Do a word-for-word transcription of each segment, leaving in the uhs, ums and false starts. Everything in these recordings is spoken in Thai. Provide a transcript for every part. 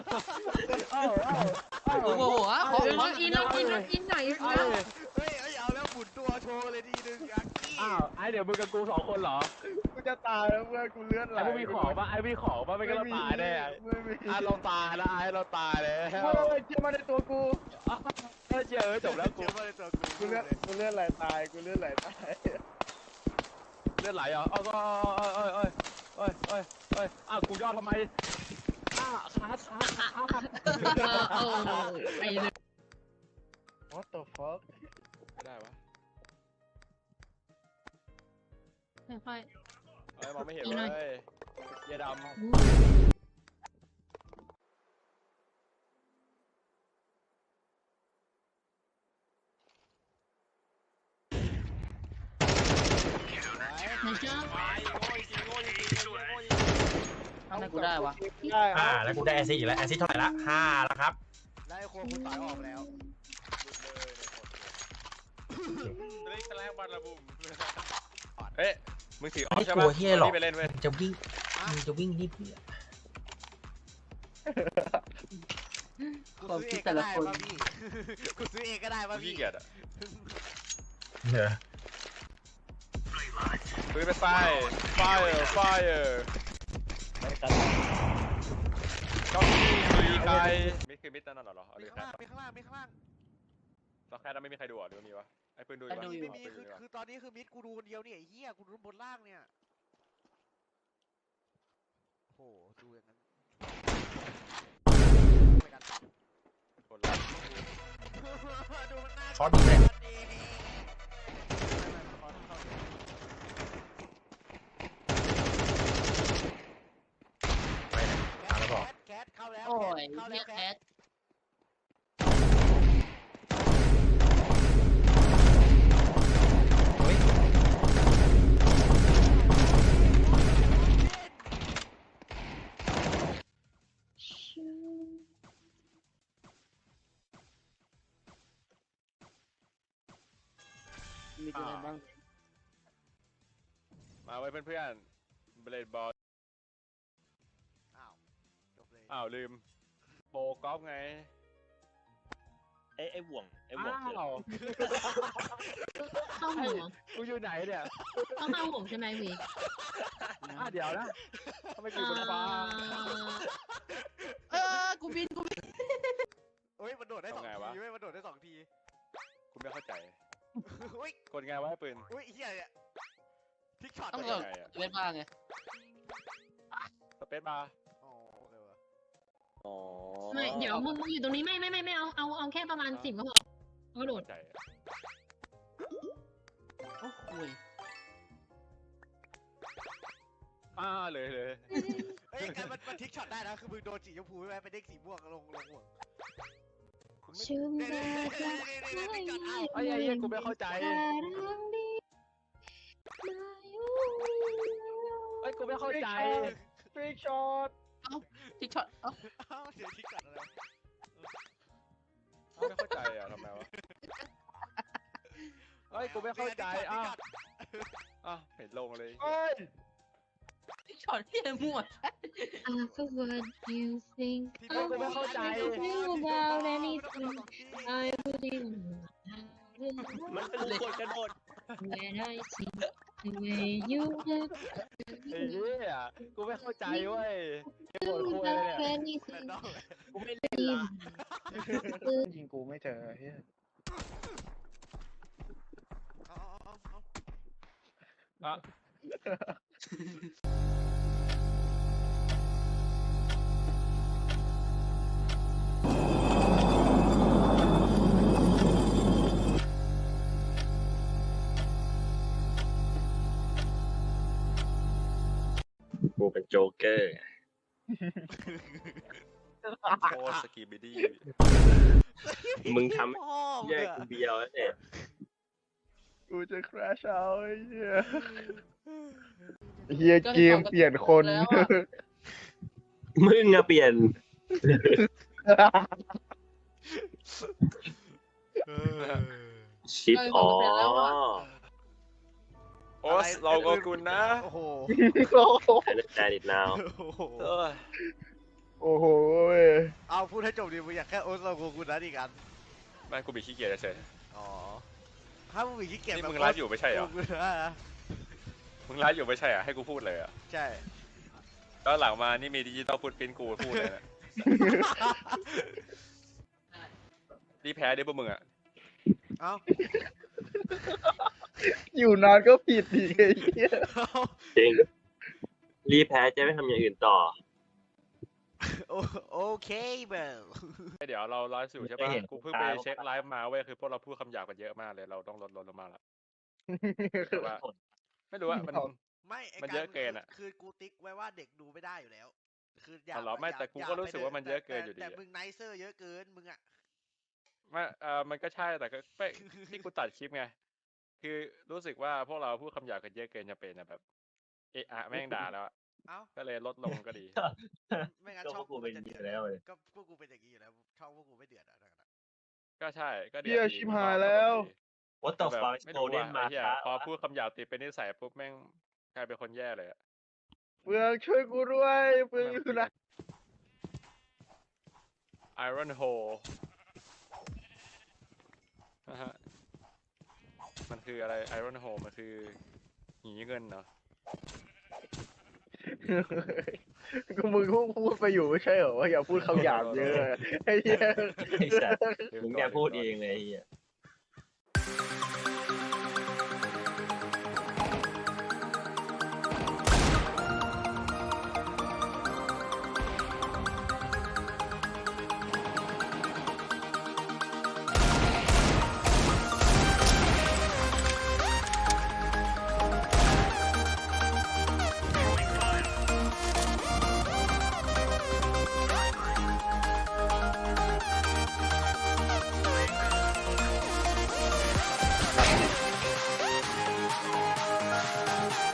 เอ้าเอ้าเอ้าโอ้โหอ่ะขอเออขอล็อกอินล็อกอินล็อกอินหน่อยเอ้าแล้วเฮ้ยเฮ้ยเอาแล้วหมุนตัวโชว์เลยทีนึงยักกี้อ้าวไอ้เดี๋ยวมึงกับกูสองคนเหรอกูจะตายแล้วเพื่อนกูเลือดไหลไอ้พวกมีของปะไอ้มีของปะไม่งั้นเราตายแน่ไม่มีอ่ะเราตายแล้วไอ้เราตายแล้วเฮ้ยเชื่อมาในตัวกูเออเจอจบแล้วกูเจอมาในตัวกูกูเลือดกูเลือดไหลตายกูเลือดไหลตายเลือดไหลเหรอเอ้ยเอ้ยเอ้ยเอ้ยเอ้ยเอ้ยอ้าวกูย่อทำไมอ้าขาขาขาขาเออเออไปเลย What the fuck ไม่ได้วะค่อยเอ้ยมองไม่เห็นอีกหน่อยเลยเยดๆ ไหนเจ้าทำไมกูได้วะได้อ่าแล้วกูได้แอซิดอีกแล้วแอซิดเท่าไหร่ละห้าแล้วครับได้โคคุณต่อยออกแล้วเฮ้ยมึงถือออฟไม่ใช่กลัปะวเฮียหรอกไปเล่นเว้ยมึงจะวิ่งมึงจะวิ่งนี่เพื่อกูซื้อเองก็ได้ป่ะพี่ กูซื้อเองก็ได้ป่ะพี่พี่เกียรติอ่ะเนอะปืนไปไฟไฟไฟก็มีใครมิดคือมิดนั่นน่ะเหรอเอามีดิข้างแค่ล่างมีข้างล่างมีข้างล่างเราแค่นั้นไม่มีใครดูอ่ะหรือมีวะไอ้ปืนดูอยู่วะไม่มีไม่มีปืนคืดูออยู่วะคือตอนนี้คือมิดกูดูคนเดียวเนี่ยไอ้เหี้ยกูดูบนล่างเนี่ยโอ้โหดูอย่างนั้นไปกันคอร์สดีเลยไปไหนตามแล้วบอกแคทเข้าแล้วโอ้ยเข้าเฮีแล้ยวแคแคททเฮ้ยมีอะไรบ้างมาไว้เพื่อนๆเบลดบอลอ้าวจบเลยอ้าวลืมโปรกอล์ฟไงไอ้ไอ้บ่วงไอ้บ่วงอ้าคืออะไรวเข้าห่วงกูอยู่ไหนเนี่ยต้องเข้าห่วงใช่ไหมวีอ้าวเดี๋ยวนะทำไมกูอยู่บนฟ้าเออกูบินกูบินเฮ้ยมันโดดได้สองทำไงทีวะเว้ยมันโดดได้สองทีกูไม่เข้าใจอุ้ยกดไงวะไอ้ปืนอุ้ยเฮียเนี่ยทิกช็อตต้องเลเกิยดไงอะเว้นบ้างไงสเปซบาร์อ๋อโอเควะอ๋อไม่เดี๋ยวมึงมึงอยู่ตรงนี้ไม่ไม่ไม่ไม่เอาเอาเอาแค่ประมาณสิบก็พอเอาโดดเข้าใจอะโอ้โหยอ้าเลยเลยเฮ้ยกันมันมันทิกช็อตได้นะคือมึงโดนสีชมพูใช่ไหมไปเด้งสีม่วงลงลงห่วงชื่นเนี่ยใจเนี่ยเนี่ยเนี่ยเนี่ยทิกช็อตอ้าวไอ้ไอ้เหี้ยกูไม่เข้าใจไอ้ยกูไม่เข้าใจฟรีช็อตทิกช็อตเอ้าอ้าวเดี๋ยวทิกช็อตอะไรไม่เข้าใจอ่ะทำไมวะเฮ้ยกูไม่เข้าใจอ้าวอ้าวเห็นลงเลยเอ้ยทิกช็อตที่ไหนมั่ว After what you think ที่เฮ้ยกูไม่เข้าใจ about anything I wouldn't มันเป็นกดกระโดด when I see the way you look ไอ้เหี้ยกูไม่เข้าใจเว้ยไอ้บทคุย about เนี่ย anything นอกกูไม่เล่นละยิงกูไม่เจอเฮียเอาเอาเอาเอาอ่ะกูเป็นโจ๊กเกอร์โคตรสกีบิดี้มึงทพ่อำแยกกูเบียวแล้วเนี่ยกูจะคราชเอาไอ้เฮียเฮียเกมเปลี่ยนคนมึงอะเปลี่ยน ชิปอ๋อโอ๊สเราก็คุณนะโอ้โห I understand it now โอ้โหเออโอ้โหเว้ยเอาพูดให้จบดิมึงอยากแค่โอ๊ตเราโกกุนนะอีกอันไม่กูมีขี้เกียจเฉยอ๋อถ้ามึงมีขี้เกียจนี่แบบมึงไลฟ์อยู่ไม่ใช่เหรอโกกุนนะมึงไลฟ์อยู่ไม่ใช่เหรอ่ะให้กูพูดเลยอ่ะใช่แล้วหลังมานี่มีดิจิตอลฟุตปรินท์กูพูดเลยนะรีแพ้ดิพวกมึงอ่ะเอ้าอยู่นานก็ผิดอีกไอ้เหี้ยจริง รีแพ้จะไม่ทำอย่างอื่นต่อโอโอเคเบลเดี๋ยวเราไลฟ์อยู่ใช่ไม่ปะเห็นกูเพิ่งไปเช็คไลฟ์มาเว้ยคือพวกเราพูดคำหยาบกันเยอะมากเลยเราต้องลดลดลงมาละแต่ว่าไม่รู้ว่ามันไม่ไอ้มันเยอะเกินอะคือกูติ๊กไว้ว่าเด็กดูไม่ได้อยู่แล้ว คืออยาอ๋กอเหรอไม่แต่กูก็รู้สึกว่ามันเยอะเกินอยู่ดีแต่อะมึงไนเซอร์เยอะเกินมึงอะไม่เออมันก็ใช่แต่ก็ไม่ที่กูตัดคลิปไงคือรู้สึกว่าพวกเราพูดคำหยาบกันเยอะเกินจะเป็นอะแบบเอะอะแม่งด่าแล้วอะเอ้าก็เลยลดลงก็ดีไม่งั้นก็ช่องพวกกูเป็นจะอย่างนี้เดือดแล้วเลยก็พวกกูเป็นอย่างนี้อยู่แล้วช่องพวกกูไม่เดือดอะก็ใช่ก็ดีเฮียชิบหายแล้ว What the แบบ fuck ไม่โกรู้ลเด้ว่านมาไอ้เหี้ยช้าพอพูดคำหยาบติดเป็นนิสัยปุ๊บแม่งกลายเป็นคนแย่เลยอะเฟืองช่วยกูด้วยเฟืองอยู่นะ Iron h o l e นะฮะมันคืออะไร Iron h o l e มันคือหีเงินเนาะก็มึงพูดพูดไปอยู่ไม่ใช่เหรอว่าอย่าพูดคำหยาบเยอะไอ้เหี้ยไอ้สัสมึงแกพูดเองเลยไอ้เหี้ย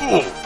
Ugh.